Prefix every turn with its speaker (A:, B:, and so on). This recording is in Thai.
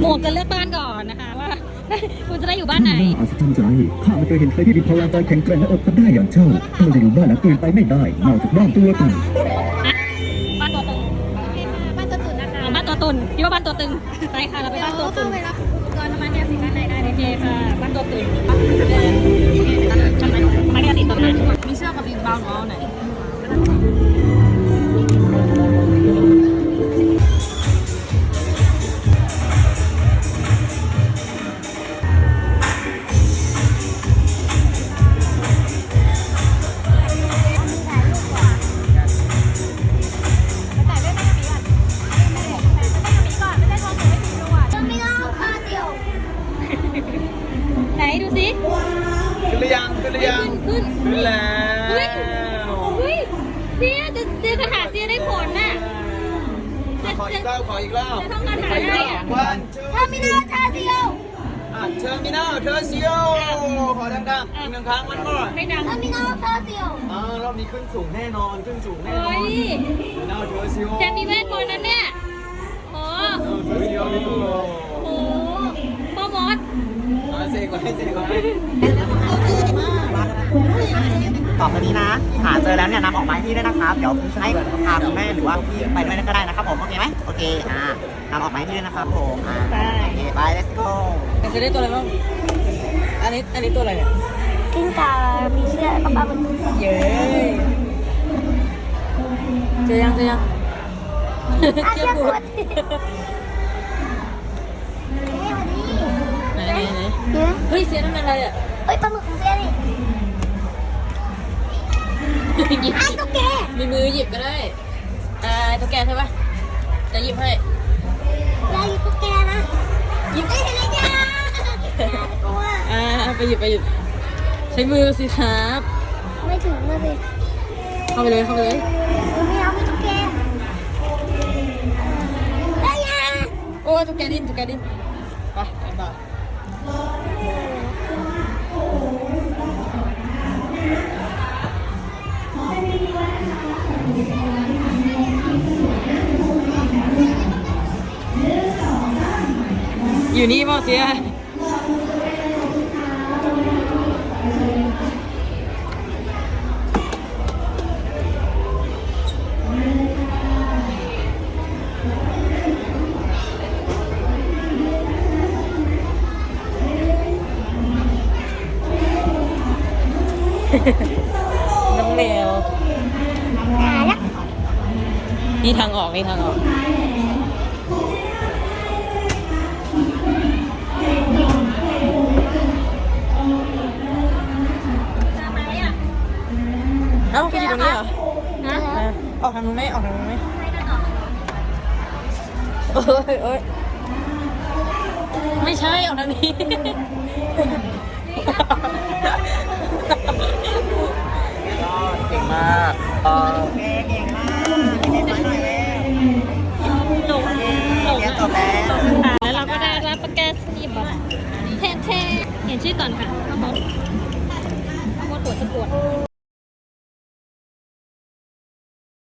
A: หมวกจะเลือกบ้านก่อนนะคะว่า คุณจะได้อยู่บ้านไหน
B: น่าอัศจรรย์ใจข้าไม่เคยเห็นใครที่มีพลังกายแข็งแกร่งและอดทนได้อย่างเจ้าเราจะอยู่บ้านหลังอื่นไปไม่ได้นอกจากบ้านตัวตึง
A: บ้านตัวตึงบ้านตัวตุ่นนะคะบ้านตัวตุ่นคิดว่าบ้านตัวตึงไปค่ะเราไปบ้านตัวตุ่นก่อนมาเนี่ยสิด้านในได้โอเคค่ะบ้านตัวตุ่นมาเนี่ยสิตรงนั้นมีเชือกกับบิ๊กบาวน์ไหนไหนดูสิ
C: ขึ้นหรือยังขึ้นแล้ว
A: เฮ้ยเสียคาถาเสียได้ผลน่ะ
C: ขออีกรอบ
A: จะท่องคาถาได้อ่ะ
C: วันเทอร์มินอล
A: เทอร์มินอล
C: เทอร์มินอลเทอร์ซิโอขอดังๆอีกหนึ่งครั้งมันก่อน
A: ไม่ดังเทอร์มินอลเทอร์ซิโอ
C: รอบนี้ขึ้นสูงแน่นอนขึ้นสูงแน่นอ
A: เฮ้
C: น
A: ย
C: เทอร์มินอลเทอร์ซิโอ
A: แจมมีเวทมนต์นั้นเนี่ยโอ้
C: เทอร์ซิโอนี่ตัว
A: โหพ่อมด
C: เสกไว้
D: ต่อไปนี้นะหาเจอแล้วเนี่ยนำออกมาให้พี่ด้วยนะครับ เดี๋ยวพี่ให้พาคุณแม่หรือว่าพี่ไปด้วยก็ได้นะครับผมโอเคไหมโอเคนำออกมาให้พี่ด้วยนะครับผมโอเคไป let's go
A: จะได้ตัวอะไรบ้างอันนี้ตัวอะไรเนี่ย
E: กิ้งก่ามีเชือกแล้วก็ปลาบึก
A: เย้เจอยัง
E: อาเชือกกด
A: ไหน
E: เยอะ
A: เฮ้ยเสียนั่นอะไรอ่ะ
E: เอ้ยปลาหมึกของเสียนี่
A: หยิบ
E: ไอ้ตุ๊กแก
A: มีมือหยิบก็ได้ตุ๊กแกใช่ปะจะหยิบให้
E: ยายตุ๊กแกนะหยิบได้เลยจ้ากลัว
A: ไปหยิบใช้มือสิครับ
E: ไม่ถึงนะสิ
A: เข้าไปเลย
E: ไม่เอาไม่ตุ๊กแกได้ยัง
A: โอ้ตุ๊กแกดิ้นไปต่ออยู่นี่ป่ะเสียน้องแมว
E: ตายละ
A: นี่ทางออกเอ้าไปอยู่ตรงนี้เหรอออกทางนู้นไหมโอ้ยไม่ใช่ออกทางนี้
C: เก่งมาก
D: เก่งมากเก่งมากหน่อยเว้ย
A: หลง
D: เรียนจบแล้ว
A: แล้วเราก็ได้รับประกาศนียบัตรแทนเห็นชื่อก่อนค่ะข้าวมดปวด